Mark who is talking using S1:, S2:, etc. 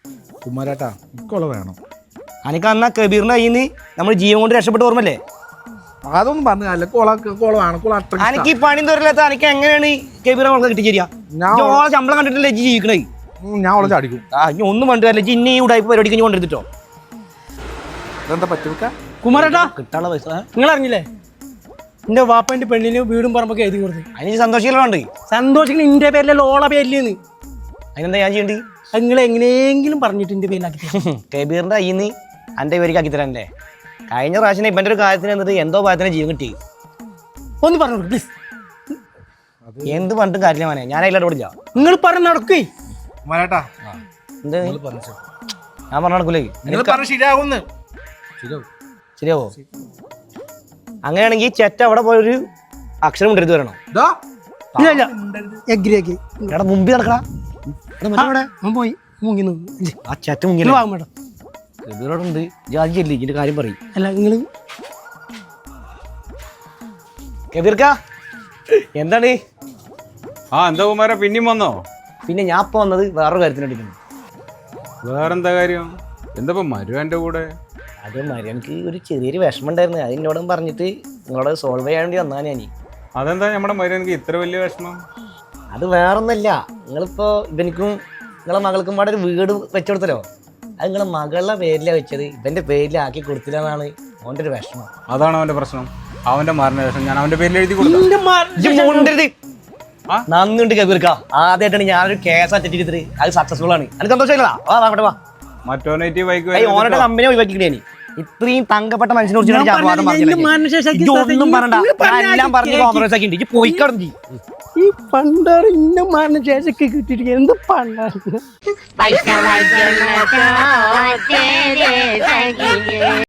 S1: കുമാരേട്ടാ ഇക്കൊള്ള വേണം.
S2: അനക്ക് അന്നാ കബീറിന്റെ കയ്യിൽ നിന്ന് നമ്മൾ ജീവൻ കൊണ്ട് രക്ഷപ്പെട്ട ഓർമ്മല്ലേ?
S1: അതൊന്നും പറഞ്ഞല്ല. കോള വേണം. കോള അത്ര
S2: അനക്ക് ഈ പണി തോരില്ലാത്ത അനക്ക് എങ്ങനെയാണ് കബീറെ നമുക്ക് കിട്ടിച്ചേരിയ? ശമ്പളം കണ്ടിട്ടല്ലേ ജി ജീവിക്കണേ.
S1: ഞാൻ അവളെ ചാടിക്കും.
S2: ഇനി ഒന്നും കണ്ടില്ല. ഇനി ഈ ഉടായ്പ പരിപാടിക്ക് ഇനി കൊണ്ടെടുത്തിട്ടോ.
S1: ഇതെന്താ പറ്റുക?
S3: കുമാരേട്ടാ
S2: കിട്ടാനുള്ള പൈസ
S3: നിങ്ങൾ അറിഞ്ഞില്ലേ? എന്റെ വാപ്പന്റെ പെണ്ണിന് വീടും പറമ്പൊക്കെ എഴുതി കൊടുത്തു.
S2: അതിന് സന്തോഷിക്കലുണ്ട്.
S3: സന്തോഷിക്കുന്ന ഇന്റെ പേരിലല്ല ഓള പേരിലെന്ന്.
S2: അതിനെന്താ ഞാൻ ചെയ്യണ്ടേ?
S3: നിങ്ങൾ എങ്ങനെയെങ്കിലും പറഞ്ഞിട്ട് എന്റെ പേരിലാക്കി
S2: കബീറിന്റെ കയ്യിൽ നിന്ന് എൻ്റെ പേരിലേക്ക് ആക്കി തരാനല്ലേ? കഴിഞ്ഞ പ്രാവശ്യം ഇവന്റെ ഒരു കാര്യത്തിന് എന്നിട്ട് എന്തോ ഭാഗത്തിന് ജീവൻ കിട്ടി.
S3: ഒന്ന് പറഞ്ഞു പ്ലീസ്.
S2: എന്ത് പറഞ്ഞിട്ടും കാര്യമില്ല മോനെ. ഞാൻ അതിലോട്ട് ഓടില്ല.
S3: നിങ്ങൾ പറഞ്ഞ് നടക്കേ.
S1: കുമാരേട്ടാ
S2: എന്ത് ഞാൻ പറഞ്ഞ നടക്കൂലേ?
S1: ശരിയാവുന്നു.
S2: ശരിയാവോ? അങ്ങനെയാണെങ്കിൽ ചെറ്റ അവിടെ പോയൊരു അക്ഷരം കൊണ്ടെടുത്ത് വരണം.
S3: ഇല്ല എഗ്രി ആക്കി
S2: എടാ മുമ്പിൽ നടക്കടാ.
S3: പോയി മുങ്ങി
S2: ആ ചെറ്റ മുങ്ങില്ല.
S3: വാങ്ങും മേഡം.
S2: കബീറോടുണ്ട്. ജാജിയല്ലേ ഇതിന്റെ കാര്യം പറയും.
S3: അല്ല നിങ്ങൾ
S2: കബീർക്ക എന്താണ്?
S4: എന്താ കുമാര പിന്നെയും വന്നോ?
S2: പിന്നെ ഞാൻ ഇപ്പൊ വന്നത് വേറൊരു കാര്യത്തിന് വേണ്ടിയിട്ടുണ്ട്.
S4: വേറെന്താ കാര്യം? എന്താ മരു എൻ്റെ കൂടെ?
S2: അത് മരിയനക്ക് ഒരു ചെറിയൊരു വിഷമം ഉണ്ടായിരുന്നു. അത് എന്നോടും പറഞ്ഞിട്ട് നിങ്ങളോട് സോൾവ് ചെയ്യാൻ വേണ്ടി വന്നാ ഞാൻ.
S4: അതെന്താ നമ്മുടെ മരുവനക്ക് ഇത്ര വലിയ വിഷമം?
S2: അത് വേറൊന്നല്ല. നിങ്ങളിപ്പോ ഇവനിക്കും നിങ്ങളെ മകൾക്കും പാടെ ഒരു വീട് വെച്ചുകൊടുത്തല്ലോ. അത് നിങ്ങളെ മകളുടെ പേരിലാണ് വെച്ചത്. ഇവന്റെ പേരിലാക്കി കൊടുത്തില്ല എന്നാണ് അവന്റെ ഒരു വിഷമം.
S4: അതാണ് അവന്റെ പ്രശ്നം. അവന്റെ മരണശേഷം ഞാൻ അവന്റെ പേരിൽ എഴുതി കൊടുത്തു.
S2: നന്ദിണ്ട് കബീർക്ക. ആദ്യമായിട്ടാണ് ഞാനൊരു കേസ് അറ്റൻഡ് അത് സക്സസ്ഫുൾ ആണ്. അത് സന്തോഷമില്ല. വാ
S4: മറ്റോനേറ്റ് ബൈക്ക്
S2: ഓനോടെ കമ്പനി ഒഴിവാക്കിക്കണേ. ഇത്രയും തങ്കപ്പെട്ട മനുഷ്യനെ ഒന്നും പറഞ്ഞ എല്ലാം പറഞ്ഞ് കോംപ്രമൈസ് ആക്കിണ്ട്. പോയിക്കടന്നു
S3: ഈ പണ്ടാറ് ഇന്ന മാറിന് ശേഷമൊക്കെ കിട്ടിയിട്ട് എന്ത് പണ്ടാണ്